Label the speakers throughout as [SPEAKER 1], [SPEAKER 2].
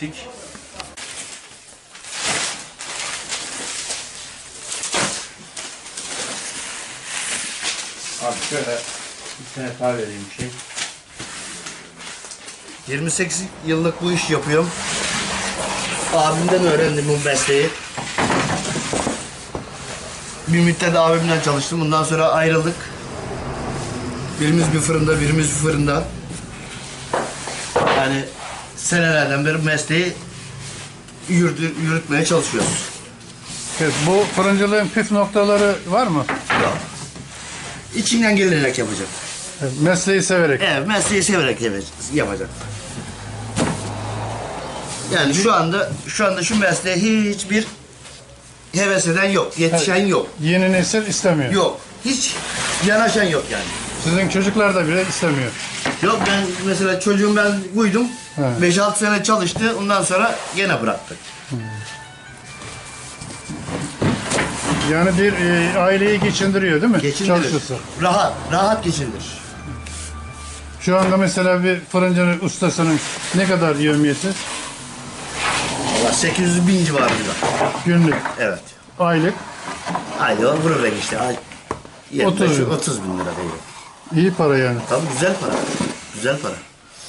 [SPEAKER 1] ettik. Abi şöyle bir tane daha vereyim bir şey.
[SPEAKER 2] 28 yıllık bu iş yapıyorum. Abimden öğrendim bu mesleği. Bir müddet abimden çalıştım. Bundan sonra ayrıldık. Birimiz bir fırında, birimiz bir fırında. Yani senelerden beri mesleği yürütmeye çalışıyoruz.
[SPEAKER 3] Evet, bu fırıncılığın püf noktaları var mı?
[SPEAKER 2] Yok. İçinden gelerek yapacak.
[SPEAKER 3] Evet, mesleği severek.
[SPEAKER 2] Evet, mesleği severek yapacak. Yani şu anda şu mesleğe hiçbir heves eden yok, yetişen yok.
[SPEAKER 3] Yeni nesil istemiyor.
[SPEAKER 2] Yok. Hiç yanaşan yok yani.
[SPEAKER 3] Sizin çocuklar da bile istemiyor.
[SPEAKER 2] Yok, ben mesela çocuğum ben buydum.
[SPEAKER 3] Evet.
[SPEAKER 2] 5-6 sene çalıştı. Ondan sonra gene bıraktık.
[SPEAKER 3] Yani bir aileyi geçindiriyor değil mi?
[SPEAKER 2] Geçindirir.
[SPEAKER 3] Çalışırsa.
[SPEAKER 2] Rahat geçindirir.
[SPEAKER 3] Şu anda mesela bir fırıncının ustasının ne kadar yevmiyeti?
[SPEAKER 2] Valla 800.000 civarında.
[SPEAKER 3] Günlük,
[SPEAKER 2] Evet.
[SPEAKER 3] aylık.
[SPEAKER 2] Ayda vurur işte.
[SPEAKER 3] 30 lira.
[SPEAKER 2] 30 bin lira değil.
[SPEAKER 3] İyi para yani.
[SPEAKER 2] Tabii güzel para. Güzel para.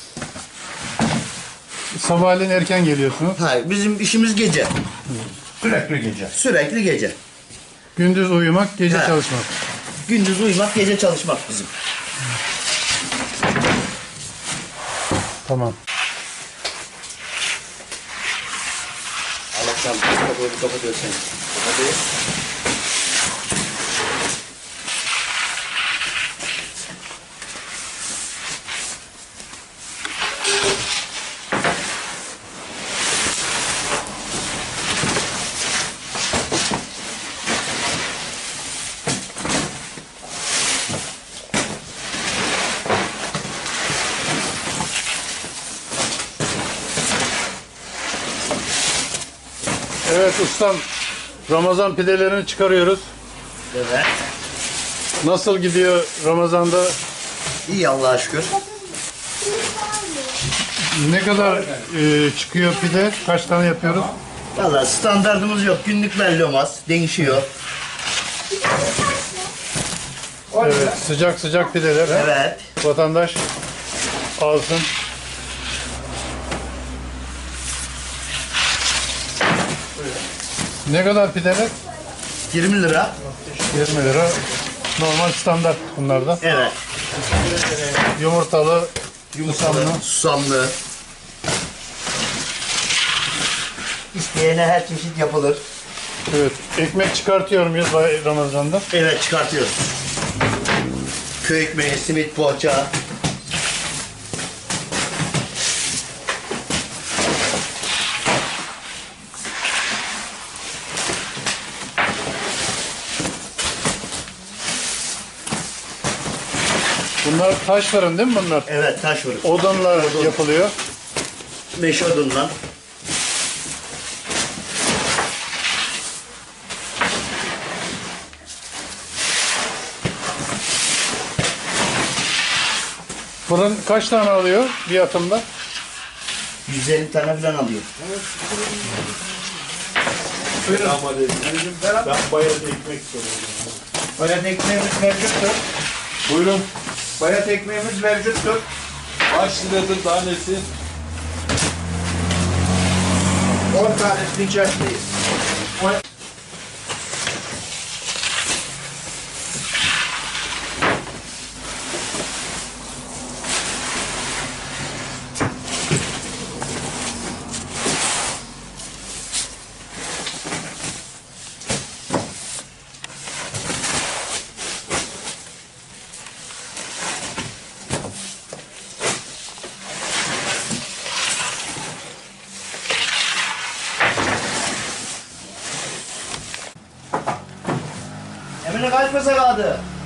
[SPEAKER 3] Sabahleyin erken geliyorsunuz.
[SPEAKER 2] Hayır, bizim işimiz gece.
[SPEAKER 1] Sürekli gece.
[SPEAKER 2] Sürekli gece.
[SPEAKER 3] Gündüz uyumak, gece
[SPEAKER 2] He.
[SPEAKER 3] çalışmak.
[SPEAKER 2] Gündüz uyumak, gece çalışmak bizim.
[SPEAKER 3] Tamam.
[SPEAKER 2] Allah'tan kapatıyorsun. Kapatıyor.
[SPEAKER 3] Evet ustam, Ramazan pidelerini çıkarıyoruz.
[SPEAKER 2] Evet.
[SPEAKER 3] Nasıl gidiyor Ramazan'da?
[SPEAKER 2] İyi Allah'a şükür.
[SPEAKER 3] Ne kadar çıkıyor pide? Kaç tane yapıyoruz?
[SPEAKER 2] Valla standartımız yok. Günlük belli olmaz. Değişiyor.
[SPEAKER 3] Evet, sıcak sıcak pideler. he?
[SPEAKER 2] Evet.
[SPEAKER 3] Vatandaş alsın. Ne kadar pideler?
[SPEAKER 2] 20 lira.
[SPEAKER 3] 20 lira. Normal standart bunlarda.
[SPEAKER 2] Evet.
[SPEAKER 3] Yumurtalı,
[SPEAKER 2] Yumurtalı, susamlı. İsteyene her çeşit yapılır.
[SPEAKER 3] evet. Ekmek çıkartıyor muyuz Ramazan'da?
[SPEAKER 2] Evet, çıkartıyoruz. Köy ekmeği, simit, poğaça.
[SPEAKER 3] Bunlar taş fırın değil mi bunlar?
[SPEAKER 2] Evet, taş fırın.
[SPEAKER 3] Odunla yapılıyor.
[SPEAKER 2] Meşe odundan.
[SPEAKER 3] Fırın kaç tane alıyor bir atımda?
[SPEAKER 2] 150 tane falan alıyor.
[SPEAKER 1] Ben bayat ekmek soruyorum.
[SPEAKER 4] Bayat ekmeğimiz mevcuttur.
[SPEAKER 1] Buyurun.
[SPEAKER 4] Bayat ekmeğimiz mevcuttur.
[SPEAKER 1] Kaç liradır tanesi?
[SPEAKER 4] 10 tanesini içerisindeyiz.
[SPEAKER 2] Emine kaç masa kaldı?